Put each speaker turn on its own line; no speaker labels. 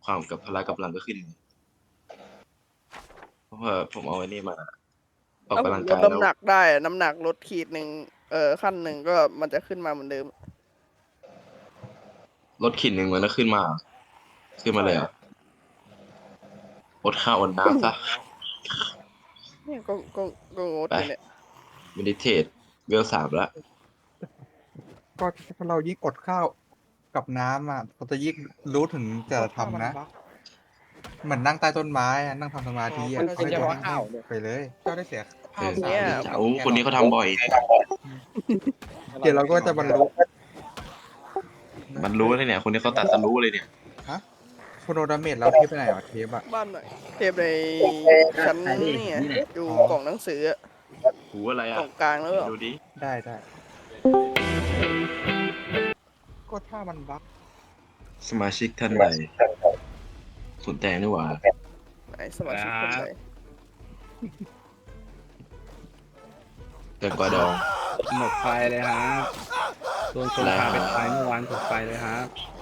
ความกับพละกำลังก็ขึ้นเพราะว่าผมเอาไอ้นี่มาออก
ถ้าผ
กำ
มลด
ลังกายแล้ว
น้ำหนักได้อะน้ำหนักลดขีดหนึ่งขั้นหนึ่งก็มันจะขึ้นมาเหมือนเดิม
ลดขีดหนึ่งมันก็ขึ้นมา
ใช่
เลยเหรอ่ะอดข้าวอดน้ำซะ
เนี่ยก็งด
ไป
อยู่เนี่ย
เมดิเทตเวล3ละ
ก็ถ้าเรายิ่งอดข้าวกับน้ำอ่ะเราจะยิ่งรู้ถึงจะทำนะเหมือนนั่งใต้ต้นไม้อะนั่งทำสมาธิอ่ะ
มันเป็นเฉพาะข้าว
ไปเลยเจ้าได้เสีย
เออ
ข้าว
เนี่ย
โอ้คนนี้เขาทำบ่อย
เดี๋ยวเราก็จะบรรลุ
มันรู้เลยเนี่ย คนนี้เขาตัดสรู้เลยเนี่ย
ฮะโคโนดาเมจเราเทปไปไหนวะเทปอ่ะ
บ้านไหนเทปในชั้นนี่ไงอยู่กล่องหนังสืออะ
หูอะไร
ก
อ่ะ
ล่องกลางแล้วเหรอ
ดูดิ
ได้ก็ถ้ามันบั๊ก
สมาชิกท่านใดสนแตงนี่หว่า
ไหนสมาชิกคนไหน
แตงกวาดอง
หมดไฟเลยครับโดนคนพาไปตายเมื่อวานหมดไฟเลยครับ